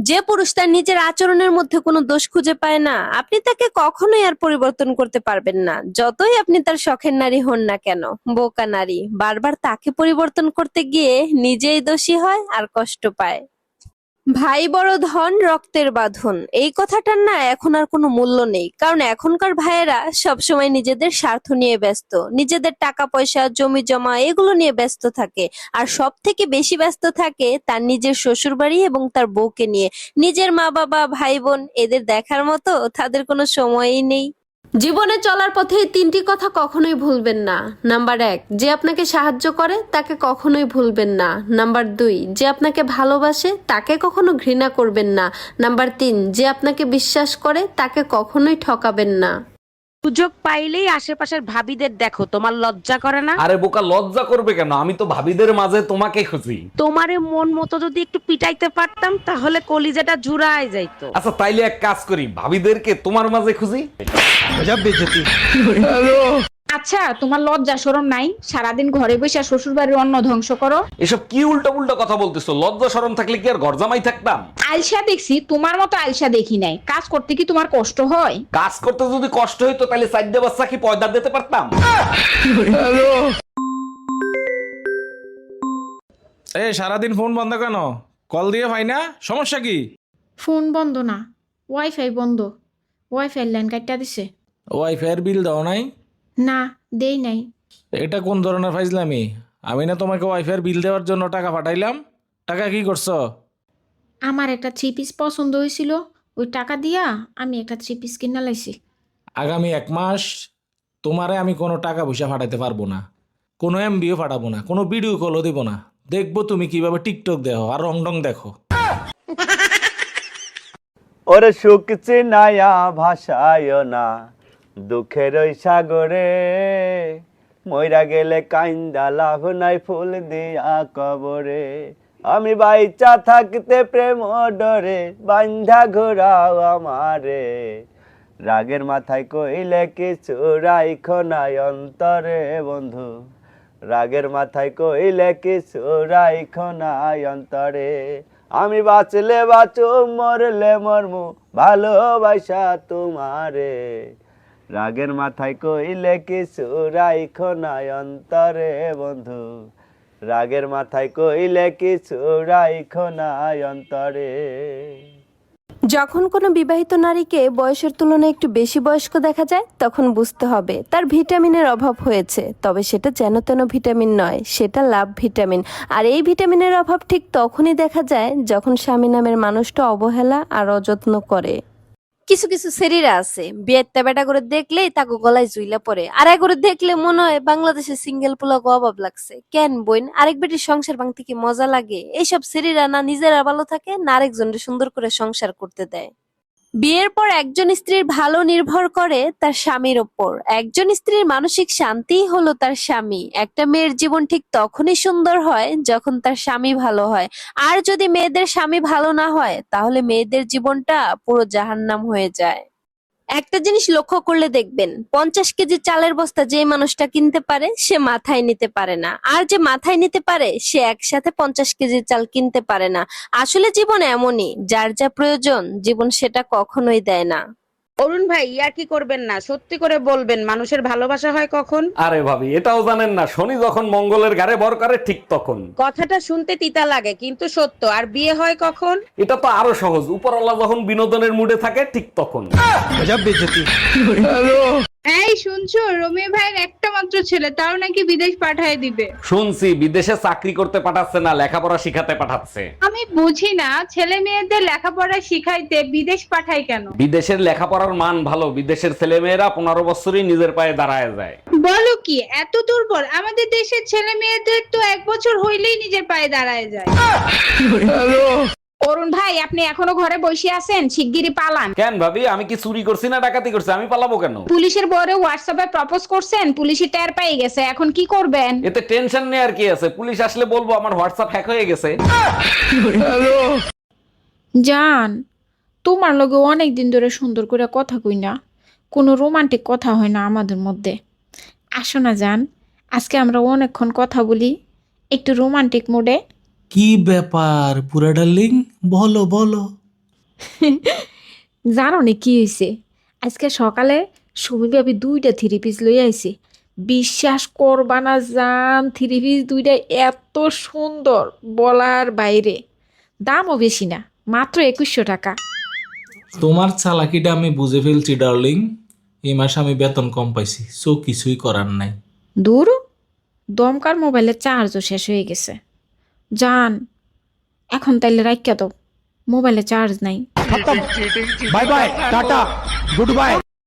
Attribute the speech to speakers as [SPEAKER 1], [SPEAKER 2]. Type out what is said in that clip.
[SPEAKER 1] যে পুরুষ তার নিজের আচরণের মধ্যে কোনো দোষ খুঁজে পায় না, আপনি তাকে কখনোই আর পরিবর্তন করতে পারবেন না, যতই আপনি তার শখের নারী হন না কেন। বোকা নারী বারবার তাকে পরিবর্তন করতে গিয়ে নিজেই দোষী হয় আর কষ্ট পায়। ভাই বড় ধন, রক্তের বাঁধন, এই কথাটার না এখন আর কোনো মূল্য নেই। কারণ এখনকার ভাইয়েরা সবসময় নিজেদের স্বার্থ নিয়ে ব্যস্ত, নিজেদের টাকা পয়সা জমি জমা এগুলো নিয়ে ব্যস্ত থাকে। আর সব থেকে বেশি ব্যস্ত থাকে তার নিজের শ্বশুর বাড়ি এবং তার বউকে নিয়ে। নিজের মা বাবা ভাই বোন এদের দেখার মতো তাদের কোনো সময়ই নেই। জীবনে চলার পথে এই তিনটি কথা কখনোই ভুলবেন না। নাম্বার 1, যে আপনাকে সাহায্য করে তাকে কখনোই ভুলবেন না। নাম্বার 2, যে আপনাকে ভালোবাসে তাকে কখনো ঘৃণা করবেন না। নাম্বার 3, যে আপনাকে বিশ্বাস করে তাকে কখনোই ঠকাবেন না।
[SPEAKER 2] সুযোগ পাইলেই আশেপাশের ভাবিদের দেখো, তোমার লজ্জা করে না?
[SPEAKER 3] আরে বোকা, লজ্জা করবে কেন? আমি তো ভাবিদের মাঝে তোমাকে খুঁজি।
[SPEAKER 2] তোমারে মন মতো যদি একটু পিটাইতে পারতাম তাহলে কলিজাটা জুড়ায় যাইতো।
[SPEAKER 3] আচ্ছা তাইলে এক কাজ করি, ভাবিদেরকে তোমার মাঝে খুঁজি।
[SPEAKER 4] আচ্ছা, তোমার লজ্জা শরম নাই? সারাদিন ঘরে বসে শ্বশুর বাড়ির অন্ন ধ্বংস করো।
[SPEAKER 3] এসব কি উল্টা উল্টা কথা বলতেছো? লজ্জা শরম থাকলে কি আর ঘর জামাই থাকতাম?
[SPEAKER 4] আলসা দেখছি, তোমার মতো আলসা দেখি নাই। কাজ করতে কি তোমার কষ্ট হয়?
[SPEAKER 3] কাজ করতে যদি কষ্ট হইতো তাহলে চারটে বাচ্চা কি পয়দা দিতে পারতাম?
[SPEAKER 5] এ সারাদিন ফোন বন্ধ কেন? কল দিয়ে ভাই না, সমস্যা কি?
[SPEAKER 6] ফোন বন্ধ না, ওয়াইফাই বন্ধ। ওয়াইফাই লাইন কাটটা দিছে।
[SPEAKER 5] ওয়াইফাইয়ের বিল দাও নাই?
[SPEAKER 6] না, দেই নাই।
[SPEAKER 5] এটা কোন ধরনের ফাইজলামি? আমি না তোমাকে ওয়াইফাইয়ের বিল দেওয়ার জন্য টাকা পাঠাইলাম? টাকা কি করছো?
[SPEAKER 6] আমার একটা থ্রি পিস পছন্দ হয়েছিল, ওই টাকা দিয়া আমি একটা থ্রি পিস কিনা লাইছি।
[SPEAKER 5] আগামী 1 মাস তোমারে আমি কোনো টাকা পয়সা পাঠাতে পারবো না, কোনো এমবিও পাঠাবো না, কোনো ভিডিও কলও দেবো না। দেখবো তুমি কিভাবে টিকটক দেখো আর রংডং দেখো।
[SPEAKER 7] ওরে সুখ চিনায়া ভাষায় না দুঃখের ওই সাগরে, মইরা গেলে কাইন্দা লাভ নাই ফুল দিয়া কবরে। আমি বাইচা থাকতে প্রেম ডরে বান্ধা ঘোরাও আমারে, রাগের মাথায় কইলে কিছু রাইখো নাই অন্তরে বন্ধু, রাগের মাথায় কইলে কিছু রাইখো নাই অন্তরে। আমি বাঁচলে বাঁচো মরলে মরমু ভালোবাসা তোমারে, রাগের মাথায় কইলে কিছু রাইখো নাই অন্তরে বন্ধু, রাগের মাথায় কইলে কিছু রাইখো নাই অন্তরে।
[SPEAKER 1] যখন কোনো বিবাহিত নারীকে বয়সের তুলনায় একটু বেশি বয়স্ক দেখা যায় তখন বুঝতে হবে তার ভিটামিনের অভাব হয়েছে। তবে সেটা যেন তেন ভিটামিন নয়, সেটা লাভ ভিটামিন। আর এই ভিটামিনের অভাব ঠিক তখনই দেখা যায় যখন স্বামী নামের মানুষটা অবহেলা আর অযত্ন করে। কিছু কিছু শরীরা আছে বিয়ের বেটা করে দেখলেই তাকে গলায় জুইলা পড়ে, আর করে দেখলে মনে হয় বাংলাদেশের সিঙ্গেল পোলা অভাব লাগছে। কেন বোন, আরেক বেটির সংসার ভাঙতে কি মজা লাগে? এইসব শরীরা না নিজেরা ভালো থাকে না আরেকজনের সুন্দর করে সংসার করতে দেয়। বিয়ের পর একজন স্ত্রীর ভালো নির্ভর করে তার স্বামীর ওপর। একজন স্ত্রীর মানসিক শান্তিই হলো তার স্বামী। একটা মেয়ের জীবন ঠিক তখনই সুন্দর হয় যখন তার স্বামী ভালো হয়। আর যদি মেয়েদের স্বামী ভালো না হয় তাহলে মেয়েদের জীবনটা পুরো জাহান্নাম হয়ে যায়। একটা জিনিস লক্ষ্য করলে দেখবেন 50 কেজি চালের বস্তা যে মানুষটা কিনতে পারে সে মাথায় নিতে পারে না, আর যে মাথায় নিতে পারে সে একসাথে 50 কেজি চাল কিনতে পারে না। আসলে জীবন এমনই, যার যা প্রয়োজন জীবন সেটা কখনোই দেয় না।
[SPEAKER 2] অরুণ ভাই, ইয়ার কি করবেন না, সত্যি করে বলবেন মানুষের ভালোবাসা হয় কখন?
[SPEAKER 3] আরে ভাবি, এটাও জানেন না? শনি যখন মঙ্গলের ঘাড়ে ভর করে ঠিক তখন।
[SPEAKER 2] কথাটা শুনতে তিতা লাগে কিন্তু সত্য। আর বিয়ে হয় কখন?
[SPEAKER 3] এটা তো আরো সহজ, উপরওয়ালা যখন বিনোদনের মুডে থাকে ঠিক তখন।
[SPEAKER 8] এই শুনছো, রমি ভাইয়ের একটা মাত্র ছেলে, তাও নাকি বিদেশ পাঠায় দিবে।
[SPEAKER 3] শুনছি বিদেশে চাকরি করতে পাঠাচ্ছে না, লেখাপড়া শিখাতে পাঠাচ্ছে।
[SPEAKER 8] আমি বুঝি না, ছেলে মেয়েদের লেখাপড়া শিখাইতে বিদেশ পাঠায় কেন?
[SPEAKER 3] বিদেশের লেখাপড়ার মান ভালো, বিদেশের ছেলে মেয়েরা 15 বছরই নিজের পায়ে দাঁড়ায় যায়।
[SPEAKER 8] বলো কি, এত দুর্বল? আমাদের দেশের ছেলে মেয়েদের তো 1 বছর হইলেই নিজের পায়ে দাঁড়ায় যায়।
[SPEAKER 4] অরুণ ভাই, আপনি এখনো ঘরে বসে আছেন? শিগগিরই পালান।
[SPEAKER 3] কেন ভাবি, আমি কি চুরি করছি না ডাকাতি করছি? আমি পালাবো কেন?
[SPEAKER 4] পুলিশের বরে হোয়াটসঅ্যাপে প্রপোজ করছেন, পুলিশই টের পেয়ে গেছে, এখন কি করবেন?
[SPEAKER 3] এতে টেনশন নেই আর কি আছে, পুলিশ আসলে বলবো আমার হোয়াটসঅ্যাপ হ্যাক হয়ে গেছে।
[SPEAKER 6] জান, তোমার লগে অনেক দিন ধরে সুন্দর করে কথা কই না, কোনো রোমান্টিক কথা হয় না আমাদের মধ্যে। আসো না জান, আজকে আমরা অনেকক্ষণ কথা বলি একটু রোমান্টিক মোডে।
[SPEAKER 5] কি ব্যাপার পুরা ডার্লিং, বলো বলো।
[SPEAKER 6] জানো না কি হয়েছে? আজকে সকালে সুমি ভাবি 2টা 3 পিস লই আইছে। বিশ্বাস করবা না জান, 3 পিস 2টা এত সুন্দর বলার বাইরে। দামও বেশি না, মাত্র 2100 টাকা।
[SPEAKER 5] তোমার চালাকিটা আমি বুঝে ফেলছি ডার্লিং। এই মাসে আমি বেতন কম পাইছি, সো কিছুই করার নাই।
[SPEAKER 6] দূর, দমকার মোবাইলের চার্জও শেষ হয়ে গেছে। জান, এখন তাইলে রাখিয়া দাও, মোবাইলে চার্জ নাই।
[SPEAKER 7] বাই বাই, টাটা, গুড বাই।